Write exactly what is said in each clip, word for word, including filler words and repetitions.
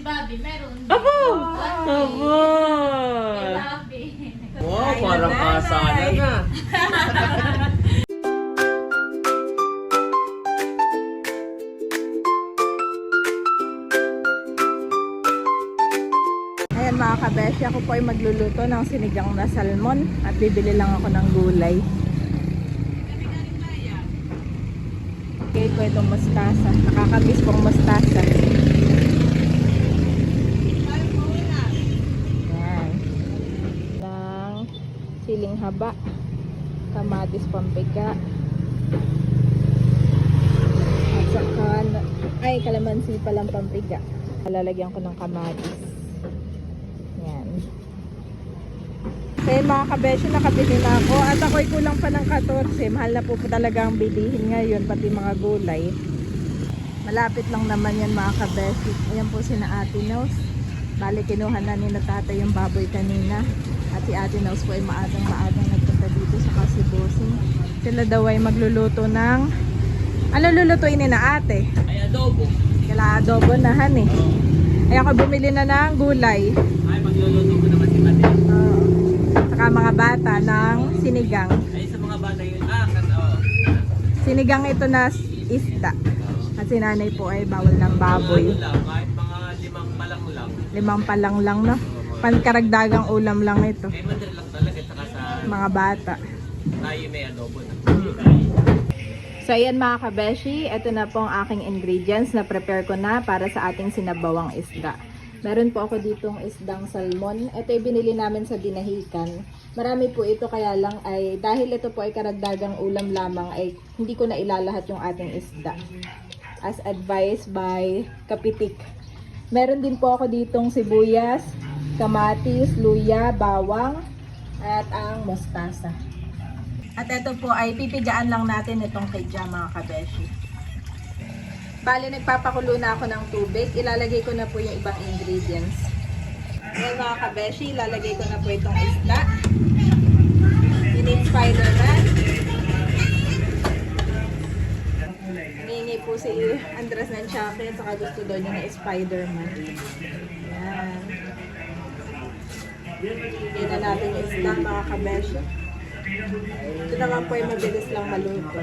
Bobby, meron. Abo! Bobby. Abo! Kay Bobby. Wow, parang kasana na. Ayan mga kabeshi, ako po ay magluluto ng sinigang na salmon at bibili lang ako ng gulay. Okay po itong mustasa. Nakakamiss pong mustasa. Ayan. Ng siling haba, kamatis pampika, at saka, ay kalamansi palang pampika. Lalagyan ko ng kamatis. Yan. Okay mga kabeshi, nakabili na ako at ako'y kulang pa ng fourteen. Mahal na po po talaga ang bilihin ngayon, pati mga gulay. Malapit lang naman yan mga kabeshi. Ayan po si na Ate Nose. Bali kinuha na ni na tatay yung baboy kanina. At si Ate Nose po ay maagang maagang nagpunta dito sa Kasibosing. Sila daw ay magluluto ng, ano lulutuin ni na ate? Ay, adobo. Kala adobo na han eh. Ay ako bumili na ng gulay. Ay, magluluto ko naman si Mate. Oo. Saka mga bata ng sinigang. Ay, sa mga bata yun. Ah, kan, oh. Sinigang ito na isda. At si nanay po ay bawal ng baboy. Mga ano lang, kahit mga limang palang lang. Limang palang lang no. Pankaragdagang ulam lang ito. Ay, madali lang talaga. Saka sa Mga bata. tayo may adobo na. So ayan mga kabeshi, ito na po ang aking ingredients na prepare ko na para sa ating sinabawang isda. Meron po ako ditong isdang salmon. Ito ay binili namin sa Dinahican. Marami po ito kaya lang ay dahil ito po ay karagdagang ulam lamang ay hindi ko na ilalahat yung ating isda. As advised by Kapitik. Meron din po ako ditong sibuyas, kamatis, luya, bawang at ang mustasa. At ito po ay pipigaan lang natin itong kidya mga kabeshi. Bali nagpapakulo na ako ng tubig. Ilalagay ko na po yung ibang ingredients. Ngayon mga kabeshi, ilalagay ko na po itong isda. In-inspire na. Hiningi po si Andres ng chocolate saka gusto daw niya na Spider-Man. Yan. Yan na natin yung isda mga kabeshi. Ito naman po ay mabilis lang maluto.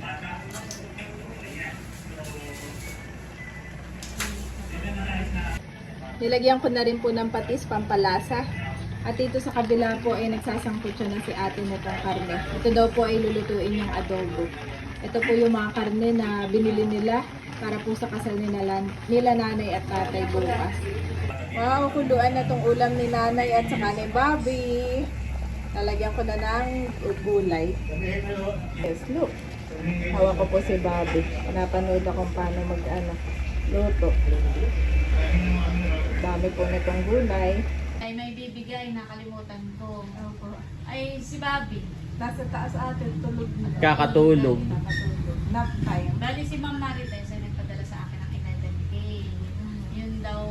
Nilagyan ko na rin po ng patis pampalasa. At dito sa kabila po ay nagsasangkot siya na si ate nitong karne. Ito daw po ay lulutuin yung adobo. Ito po yung mga karne na binili nila para po sa kasal nila, nila nanay at tatay bukas. Wow, kuluan na tong ulam ni nanay at saka ni Bobby. Lalagyan ko na ng gulay. Yes, look. Hawak ko po si Bobby. Napanood akong paano mag-ano, luto. Dami po nitong gulay. Ay, may bibigay, nakalimutan ko. Ay, si Bobby. Nasa taas atin, tulog na. Kakatulog. Kakatulog. Nap time. Bali si Ma'am Marites ay nagpadala sa akin ng eleven K. Yun daw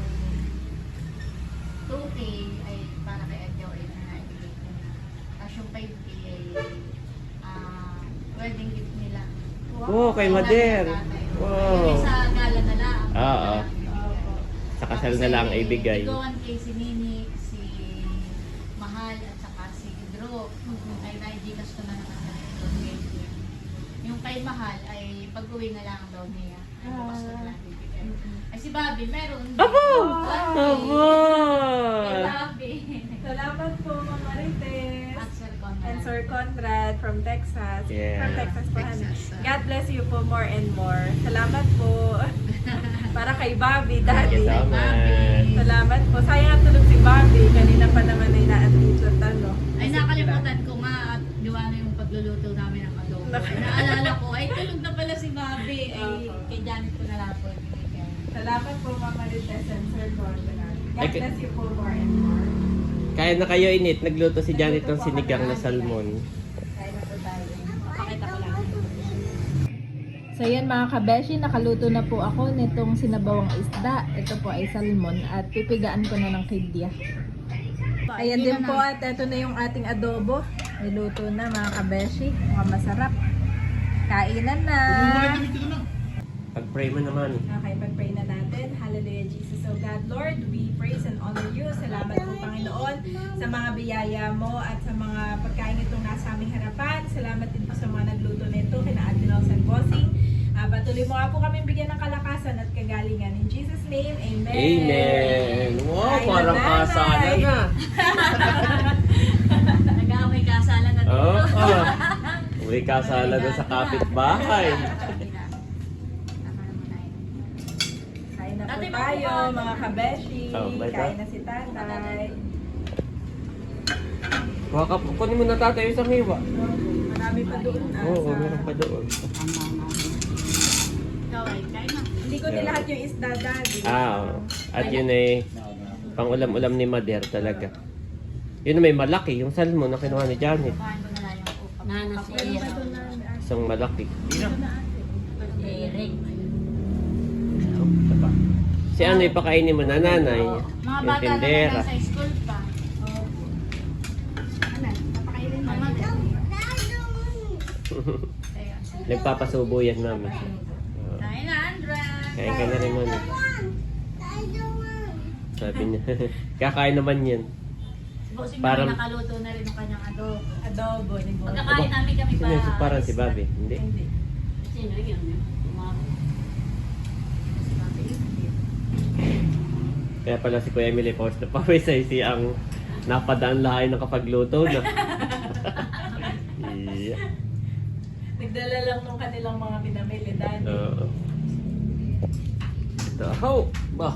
two K ay para kay Adjo ay na-ibigay ko na. Tapos yung five K ay ah, wedding gift nila. Oh, kay Mader. Wow. Yung sa gala na lang. Oo. Sa kasal na lang ay ibigay. Ikaw kay si Nini, si Mahal at saka si Drew. Ay na-gigas ko na naman sa yung kay Mahal ay pag-uwi na lang daw niya. Ay bukas na lang bibigay. Ay si Bobby, meron. Abo! Abo! Kay Abo! Bobby. Salamat po, Ma'am Marites. At Sir Conrad. And Sir Conrad from Texas. Yeah. From Texas po, honey. Texas, ah. God bless you po more and more. Salamat po. Para kay Bobby, Daddy. Salamat. Salamat po. Sayang ang tulog si Bobby. Kanina pa naman ay naandito at ano. Ay nakalimutan ko nga at gawa na yung pagluluto namin ng adobo. Naalala ko, ay tulog na pala si Bobby. Ay kay Janet ko na lang po. Salamat po, Ma'am Marites and Sir Conrad. God Ay, bless you po more and more. Kaya na kayo init, nagluto si Janet ng sinigang na salmon. Kaya na po tayo. Pakita ko lang. So yan mga kabeshi, nakaluto na po ako nitong sinabawang isda. Ito po ay salmon at pipigaan ko na ng kidya. Ayan din po at ito na yung ating adobo. Niluto na mga kabeshi. Mga masarap. Kainan na! Pag-pray mo naman. Okay, pag-pray na natin. Hallelujah, Jesus, O God. lahat, Lord, we praise and honor you. Salamat po, Panginoon, sa mga biyaya mo at sa mga pagkain itong nasa aming harapan. Salamat din po sa mga nagluto nito, kina Admiral San Bossing. Uh, patuloy mo nga po kami bigyan ng kalakasan at kagalingan. In Jesus' name, Amen. Amen. Wow, Ay, parang nanay. kasalan na. Nag-aamay kasalan na dito. Oo. Oh, May kasalan na sa kapitbahay. Tama naman na yun. Kain na po Tatay, tayo, makuha. mga kabeshi. Oh, bye, Kain ta. na si tatay. Kuha ka, kunin mo na tatay yung isang hiwa. Marami pa doon. ah, Oo, sa- meron pa doon. Ikaw ay, kain na. Hindi ko nilahat yung isda, daddy. Ah, oo. At yun ay pang ulam-ulam ni Mader talaga. Yun na may malaki, yung salmon na kinuha ni Janet. Kuhain ko na lang yung upang. Nana si Meron pa doon na. ah, Isang malaki. Si Eric. Si ano ipakainin mo na nanay? Mga Yung bata na tindera. nasa school pa. Ano? Papakainin mo. Kaya, Nagpapasubo yan mami. Oo. kain na, Andra. Kain ka na rin mami. Sabi niya. Kakain naman yan. Si Bossing Parang- naman nakaluto na rin ng kanyang adobo. Adobo ni Boy. Pagkakain namin kami pa. Sino yung parang si Bobby? Hindi. Hindi. Sino yun? Umaro. Si Bobby. Kaya pala si Kuya Emily Paus na pawisay si ang napadaan lahay ng kapagluto na. Yeah. Nagdala lang nung kanilang mga pinamili, daddy. Oo. Ito. How? Bah.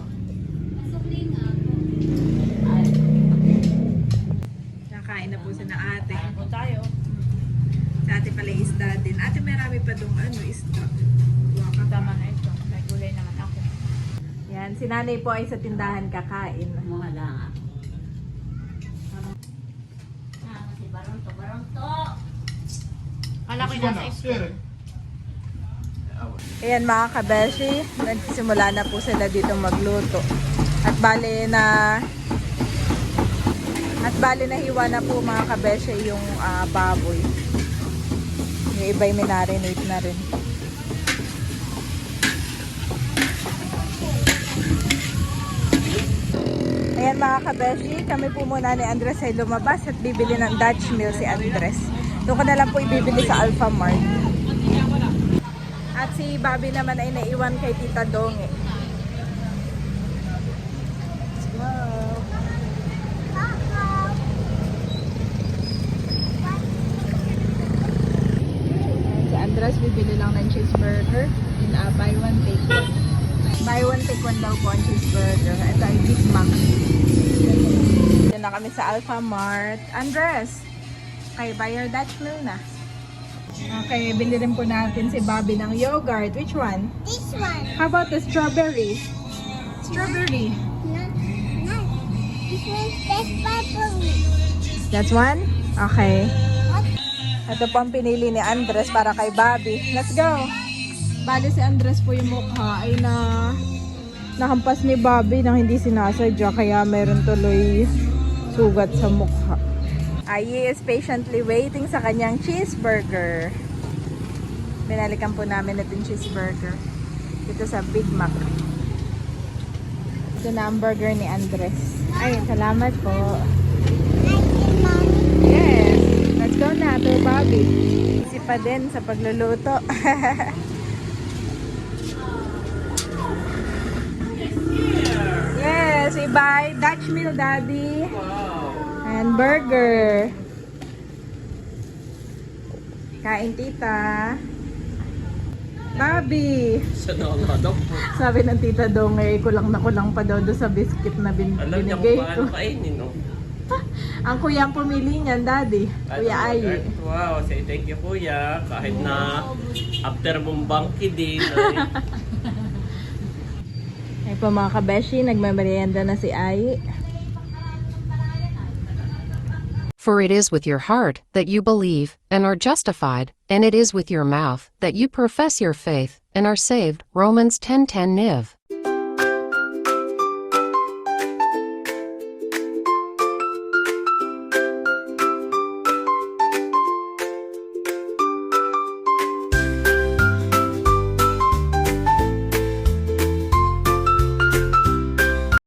Nakain na po si na ate. Kain po tayo. Si ate pala yung isda din. Ate, marami pa doon ano, isda. Kuha ka. Tama na ito. May gulay naman ako. Yan, si nanay po ay sa tindahan kakain. Mga lang ako. Ah, si Baronto. Baronto! Kala ko yung nasa school. Ayan mga kabeshi, nagsimula na po sila dito magluto. At bale na At bale na hiwa na po mga kabeshi yung ah, baboy. Yung iba'y minarinate na rin. Ayan mga kabeshi, kami po muna ni Andres ay lumabas at bibili ng Dutch meal si Andres. Doon ko na lang po ibibili sa Alpha Mart. At si Bobby naman ay naiwan kay Tita Donge. Wow. Si Andres bibili lang ng cheeseburger in a buy one take one. Buy one take one daw po ang cheeseburger. Ito ay Big Mac. Dito na kami sa Alpha Mart. Andres, kayo buy your Dutch meal na. Okay, bili rin po natin si Bobby ng yogurt. Which one? This one. How about the strawberry? Strawberry. Not, not. This one's best purple. That's one? Okay. What? Ito po ang pinili ni Andres para kay Bobby. Let's go! Bali si Andres po yung mukha ay na nahampas ni Bobby nang hindi sinasadya kaya meron tuloy sugat sa mukha. Ayi is patiently waiting sa kanyang cheeseburger. Binalikan po namin itong cheeseburger. Ito sa Big Mac. Ito na ang burger ni Andres. Ay, salamat po. Like it, Mommy. Yes! Let's go na to Bobby. Easy pa din sa pagluluto. Yes! We buy Dutch meal, Daddy. And burger. Kain, tita. Bobby! Sa nakakadaw po. Sabi ng tita Dong, eh, kulang na kulang pa daw doon sa biscuit na bin Alam niya binigay kung ko. paano kainin, no? Ang kuya ang pumili niyan, Daddy. Kuya Ano, Ayi. Wow, say thank you kuya. Kahit na after mong bangki din. Ay, Ay po mga kabeshi, nagmamerienda na si Ayi. For it is with your heart that you believe, and are justified, and it is with your mouth that you profess your faith, and are saved. Romans ten ten Niv.